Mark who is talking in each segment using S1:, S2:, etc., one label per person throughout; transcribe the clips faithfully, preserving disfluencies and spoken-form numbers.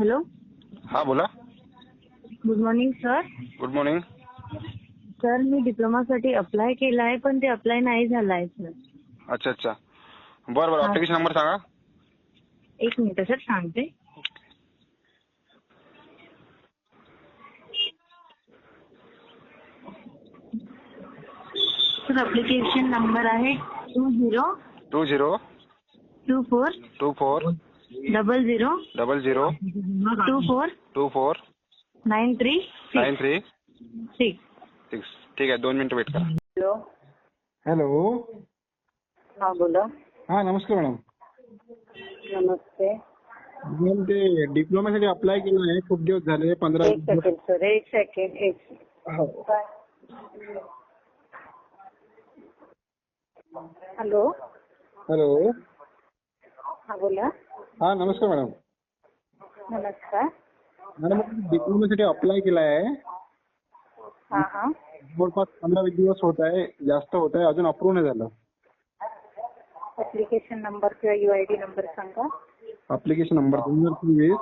S1: Hello.
S2: हा बोला.
S1: Good morning sir.
S2: Good morning.
S1: Sir मी डिप्लोमासाठी अप्लाय केला आहे पण ते अप्लाय नाही झालं आहे सर.
S2: अच्छा अच्छा बरं बरं.
S1: हा.
S2: ऍप्लिकेशन नंबर सांगा.
S1: एक मिनिट सर सांगते. सर अप्लिकेशन नंबर आहे two zero
S2: two zero
S1: two four
S2: two four
S1: double zero
S2: double zero
S1: two four
S2: two four
S1: nine three
S2: nine three
S1: six.
S2: Six. ठीक आहे, दोन मिनिटं वेट करा.
S1: हॅलो.
S3: हॅलो.
S1: हा बोला.
S3: हा नमस्कार मॅडम.
S1: नमस्ते.
S3: मॅडम ते डिप्लोमासाठी अप्लाय केलं आहे, खूप दिवस झाले. पंधरा
S1: एक सेकंड सर एक सेकंड एक
S3: हो.
S1: हॅलो.
S3: हॅलो.
S1: हा बोला.
S3: हा नमस्कार मॅडम.
S1: नमस्कार.
S3: मॅडम डिप्लोमासाठी अप्लाय केला आहे.
S1: हा हा.
S3: जवळपास पंधरा वीस दिवस होत आहे, जास्त होत आहे, अजून अप्रूव्ह नाही झालं.
S1: ऍप्लिकेशन नंबर किंवा युआयडी नंबर सांगा.
S3: ऍप्लिकेशन नंबर दोन हजार चोवीस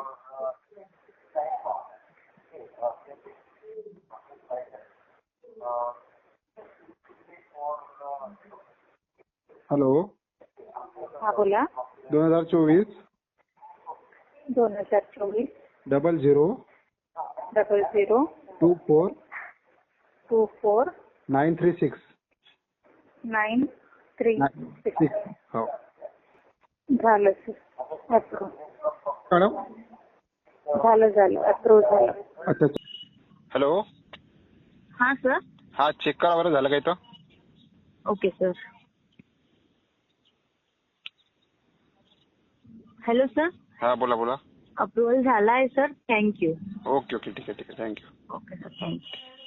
S3: हॅलो.
S1: हा बोला.
S3: दोन हजार चोवीस
S1: दोन हजार चोवीस
S3: double zero
S1: double zero
S3: two four
S1: two four
S3: nine three six
S1: nine three
S3: six. हो
S1: झालं सर अप्रूव्ह.
S3: मॅडम.
S1: झालं झालं अप्रूव्ह झालं.
S3: अच्छा अच्छा.
S2: हॅलो.
S1: हा सर.
S2: हा चेक करा बरं, झालं का इथं.
S1: Okay sir. Hello sir.
S2: हा बोला बोला.
S1: अप्रुव्हल झाला आहे सर. थँक्यू.
S2: ओके ओके ठीक आहे ठीक आहे थँक्यू.
S1: Okay sir thank you.